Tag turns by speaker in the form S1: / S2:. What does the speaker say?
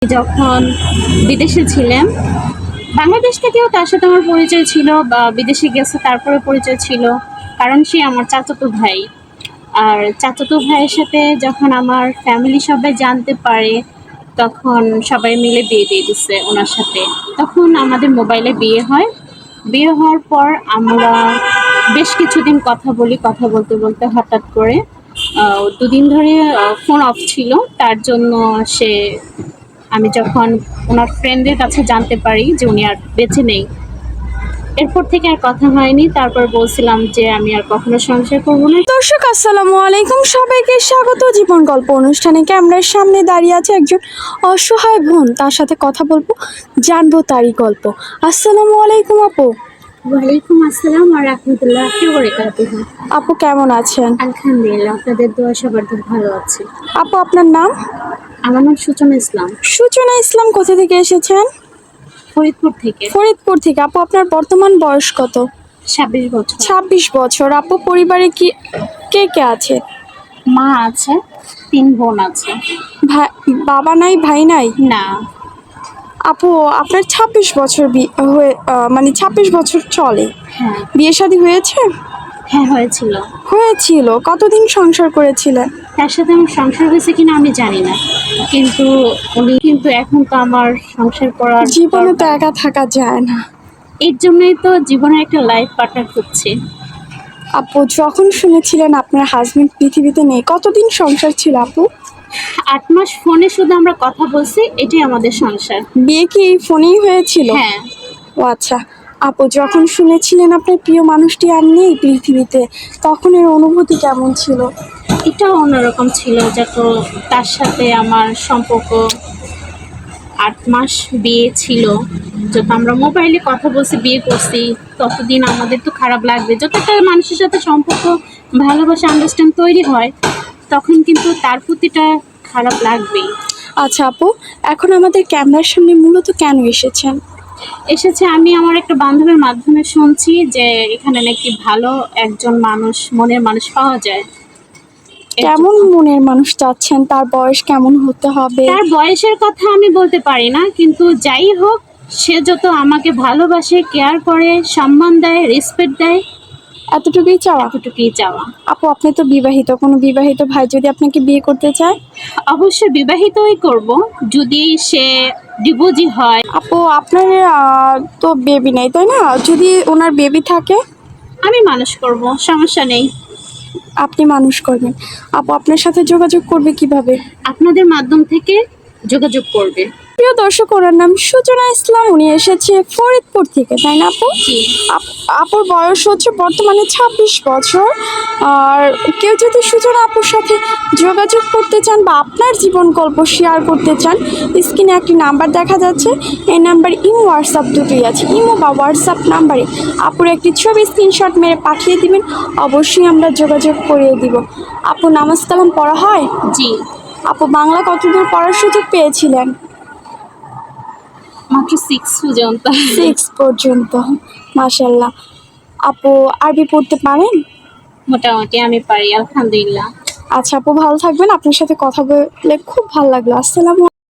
S1: যখন বিদেশে ছিলাম, বাংলাদেশ থেকেও তার সাথে আমার পরিচয় ছিল, বা বিদেশে গেছে তারপরে পরিচয় ছিল, কারণ সে আমার চাচাতো ভাই। আর চাচাতো ভাইয়ের সাথে যখন আমার ফ্যামিলি সবাই জানতে পারে, তখন সবাই মিলে বিয়ে দিয়ে দিচ্ছে ওনার সাথে। তখন আমাদের মোবাইলে বিয়ে হয়। বিয়ে হওয়ার পর আমরা বেশ কিছুদিন কথা বলি, কথা বলতে বলতে হঠাৎ করে দুদিন ধরে ফোন অফ ছিল। তার জন্য সে আমি যখন ওনার ফ্রেন্ডের কাছে জানতে পারি যে উনি আর বেঁচে নেই, এরপর থেকে আর কথা হয়নি। তারপর বলছিলাম যে আমি আর কখনো সংসার করবো না।
S2: দর্শক আসসালামু আলাইকুম, সবাইকে স্বাগত জীবন গল্প অনুষ্ঠানে। ক্যামেরার সামনে দাঁড়িয়ে আছে একজন অসহায় বোন, তার সাথে কথা বলবো, জানবো তারই গল্প। আসসালামু আলাইকুম আপু।
S1: ওয়ালাইকুম আসসালাম ওয়া রাহমাতুল্লাহি ওয়া বারাকাতুহু।
S2: আপু কেমন আছেন?
S1: আলহামদুলিল্লাহ, আপনাদের দোয়া সবার খুব ভালো আছে।
S2: আপু আপনার নাম?
S1: আমার নাম সূচনা ইসলাম,
S2: সূচনা ইসলাম। কোথা থেকে এসেছেন?
S1: ফরিদপুর থেকে।
S2: ফরিদপুর থেকে। আপু আপনার বর্তমান বয়স কত?
S1: 26 বছর।
S2: 26 বছর। আপু পরিবারে কি কে কে আছে?
S1: মা আছে, 3 বোন আছে।
S2: ভাই বাবা নাই, ভাই নাই?
S1: না।
S2: আপু আপনার 26 বছর হয়ে মানে 26 বছর চলে,
S1: হ্যাঁ।
S2: বিয়ে শাদী হয়েছে?
S1: হ্যাঁ, হয়েছিল।
S2: হয়েছিল। কতদিন সংসার করেছিলেন?
S1: তার সাথে আমার সংসার হয়েছে কিনা আমি জানি না, কিন্তু উনি কিন্তু এখন তো আমার সংসার করার
S2: জীবনে তো
S1: দরকার।
S2: একা থাকা যায় না।
S1: এর জন্যই তো জীবনে একটা লাইফ পার্টনার খুঁজছি।
S2: আপু যখন শুনেছিলেন আপনার হাজবেন্ড পৃথিবীতে নেই, কতদিন সংসার ছিল আপু?
S1: 8 মাস ফোনে শুধু আমরা কথা বলছি, এটাই আমাদের সংসার।
S2: বিয়ে কি এই ফোনেই হয়েছিল?
S1: হ্যাঁ।
S2: ও আচ্ছা। আপু যখন শুনেছিলেন আপনার প্রিয় মানুষটি আর নেই পৃথিবীতে, তখন এর অনুভূতি কেমন ছিল?
S1: এটাও অন্যরকম ছিল, যত তার সাথে আমার সম্পর্ক 8 মাস বিয়ে ছিল, যত আমরা মোবাইলে কথা বলছি, বিয়ে করছি, ততদিন আমাদের তো খারাপ লাগবে। যত একটা মানুষের সাথে সম্পর্ক, ভালোবাসা, আন্ডারস্ট্যান্ড তৈরি হয়, তখন কিন্তু তার প্রতিটা খারাপ লাগবেই।
S2: আচ্ছা আপু, এখন আমাদের ক্যামেরার সামনে মূলত কেন এসেছেন?
S1: এসেছে আমি আমার একটা বান্ধবীর মাধ্যমে শুনছি যে এখানে নাকি ভালো একজন মানুষ, মনের মানুষ পাওয়া যায়।
S2: কেমন মনের মানুষ চাচ্ছেন? তার বয়স কেমন হতে হবে?
S1: তার বয়সের কথা আমি বলতে পারি না, কিন্তু যাই হোক, সে যত আমাকে ভালোবাসে, কেয়ার করে, সম্মান দেয়, রেসপেক্ট দেয়,
S2: এতটুকুই চাওয়া?
S1: এতটুকুই চাওয়া।
S2: আপু আপনি তো বিবাহিত, কোনো বিবাহিত ভাই যদি আপনাকে বিয়ে করতে চায়?
S1: অবশ্যই বিবাহিতই করব, যদি সে ডিভোর্সি হয়।
S2: আপু আপনার তো বেবি নেই তাই না? যদি ওনার বেবি থাকে?
S1: আমি মানুষ করব, সমস্যা নেই।
S2: আপনি মানুষ করবেন। আপু আপনার সাথে যোগাযোগ করবে কিভাবে?
S1: আপনাদের মাধ্যম থেকে যোগাযোগ করবে।
S2: প্রিয় দর্শক, ওনার নাম সূচনা ইসলাম, উনি এসেছে ফরিদপুর থেকে তাই না আপু?
S1: জি।
S2: আপুর বয়স হচ্ছে বর্তমানে 26 বছর। আর কেউ যদি সূচনা আপুর সাথে যোগাযোগ করতে চান বা আপনার জীবন গল্প শেয়ার করতে চান, স্ক্রিনে একটি নাম্বার দেখা যাচ্ছে, এই নাম্বার ইমো হোয়াটসঅ্যাপ দুটোই আছে। ইমো বা হোয়াটসঅ্যাপ নাম্বারে আপুর একটি ছবি স্ক্রিনশট মেরে পাঠিয়ে দিবেন, অবশ্যই আমরা যোগাযোগ করিয়ে দিব। আপু নামাজ কালাম পড়া হয়?
S1: জি।
S2: আপু বাংলা কতদূর পড়ার সুযোগ পেয়েছিলেন?
S1: মাত্র 6 পর্যন্ত।
S2: 6 পর্যন্ত। মাশাল্লাহ। আপু আরবি পড়তে পারেন?
S1: মোটামুটি আমি পারি, আলহামদুলিল্লাহ।
S2: আচ্ছা আপু ভালো থাকবেন, আপনার সাথে কথা বলে খুব ভালো লাগলো। আসসালামু